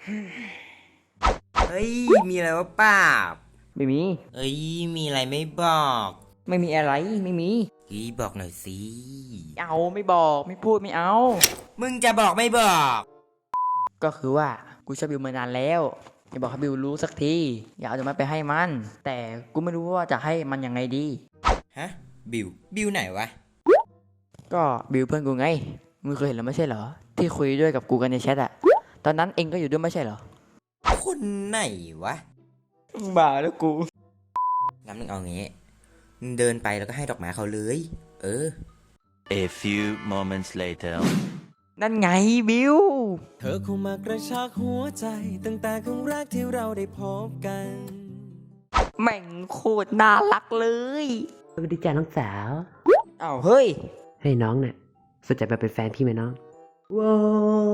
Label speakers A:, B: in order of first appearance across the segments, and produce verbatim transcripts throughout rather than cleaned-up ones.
A: เฮ้ยมีอะไรวะป้าบ
B: ไม่มี
A: เอ้ยมีอะไรไม่บอก
B: ไม่มีอะไรไม่มี
A: เฮ้ยบอกหน่อยสิ
B: เอาไม่บอกไม่พูดไม่เอา
A: มึงจะบอกไม่บอก
B: ก็คือว่ากูชอบบิวมานานแล้วอย่าบอกให้บิวรู้สักทีอย่าเอาดอกไม้ไปให้มันแต่กูไม่รู้ว่าจะให้มันยังไงดี
A: ฮะบิวบิวไหนวะ
B: ก็บิวเพื่อนกูไงมึงเคยเห็นแล้วไม่ใช่เหรอที่คุยด้วยกับกูกันในแชทอะตอนนั้นเองก็อยู่ด้วยไม่ใช่เหรอ
A: คนไหนวะ
B: บ้าแล้วกู
A: งั้นมึงเอางี้มึงเดินไปแล้วก็ให้ดอกไม้เขาเลย เออ
C: A few moments later
B: นั่นไงบิว
D: เธอคงมากระชากหัวใจตั้งแต่ครั้งแรกที่เราได้พบกัน
B: แม่งโคตรน่ารักเลย
E: สวัสดีจ้าน้องสาว
B: อ้าวเฮ้ย
E: ให้น้องเนี่ยสนใจมาเป็นแฟนพี่ไหมน้องว้าว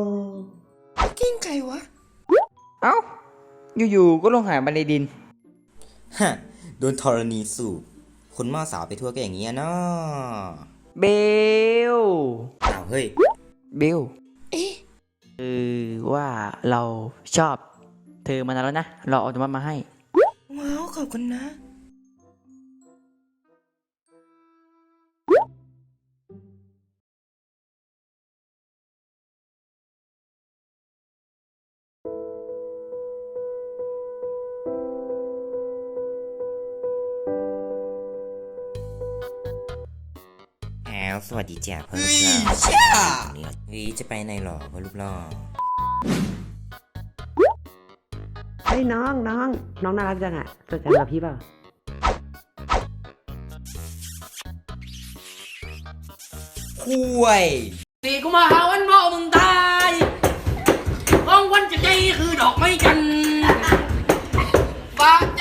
A: กิ้งใครวะ
B: เอ้าอยู่ๆก็ลงหายมาในดิน
A: ฮะโดนธรณีสูบคนหม้อสาวไปทั่วก็อย่างเงี้ยเนาะ
B: เบล
A: อ้าวเฮ้ย
B: เบลเอ๊ะคือว่าเราชอบเธอมานานแล้วนะเราเอาดอกไม้มาให้
A: ว้าวขอบคุณนะอ้าวสวัสดีจ้าพ่อลูกหล่อนี่เฮ้ยจะไปไหนหรอพ่อลูกหล่อ
E: เฮ้ยน้องน้องน้องน่ารักจังอะสนใจมาพี่เปล่า
A: คุย
F: สี่กุมภาพันธ์พ่อมึงตายของวันจะใจคือดอกไม้จันทร์ฟ้า